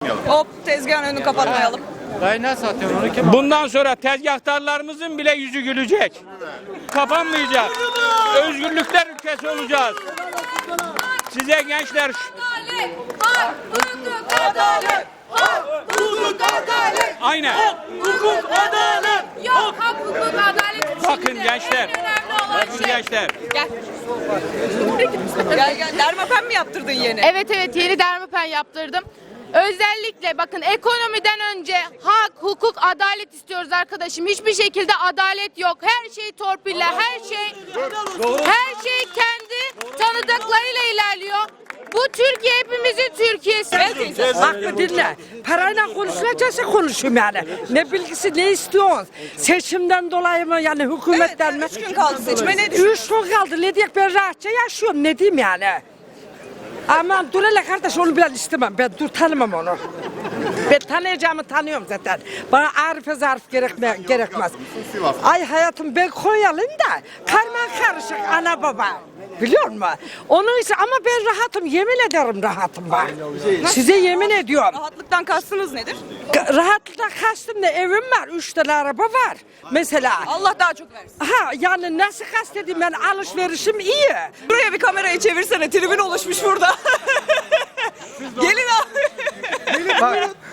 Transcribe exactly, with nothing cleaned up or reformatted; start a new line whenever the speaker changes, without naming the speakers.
kapatmayalım.
Hop, tezgahın önünü kapatmayalım.
Dayı ne satıyorsun onu kim?
Bundan sonra tezgahtarlarımızın bile yüzü gülecek. Kapanmayacak. Özgürlükler ülkesi olacağız. Size gençler
Adalet, hak, hukuk, adalet. Hak, hukuk, adalet.
aynen.
Hukuk, adalet. Yok, hak, hukuk, adalet.
Bakın
Şimdi
gençler.
en önemli olan
Bakın
şey.
gençler.
Gel. Gel gel. Dermapen mi yaptırdın yeni?
Evet evet yeni dermapen yaptırdım. Özellikle bakın ekonomiden önce hak, hukuk, adalet istiyoruz arkadaşım. Hiçbir şekilde adalet yok. Her şey torpille, her şey her şey kendi tanıdıklarıyla ilerliyor. Bu Türkiye hepimizin Türkiye'si.
Hakkı dinle. Parayla konuşulacaksa konuşayım yani. Ne bilgisi ne istiyorsun? Seçimden dolayı mı yani hükümetten mi?
Evet, üç gün kaldı seçime, ne düşünüyorsun?
Üç gün kaldı. Ne diyeyim ben rahatça yaşıyorum. Ne diyeyim yani? Aman dur hele kardeş onu bilen istemem. Ben dur tanımam onu. Ben tanıyacağımı tanıyorum zaten. Bana arife zarf gerekme, gerekmez. Ay hayatım ben Konyalıyım da karman karışık ana baba. Biliyor musun? Onun için ama ben rahatım. Yemin ederim rahatım bak. Size yemin ediyorum.
Rahatlıktan kastınız nedir?
Rahatlıktan kastım ne? Evim var. Üç tane araba var. Mesela.
Allah daha çok versin.
Ha yani nasıl kastedeyim ben alışverişim iyi.
Buraya bir kamerayı çevirsene. Tribün oluşmuş burada. Gelin abi.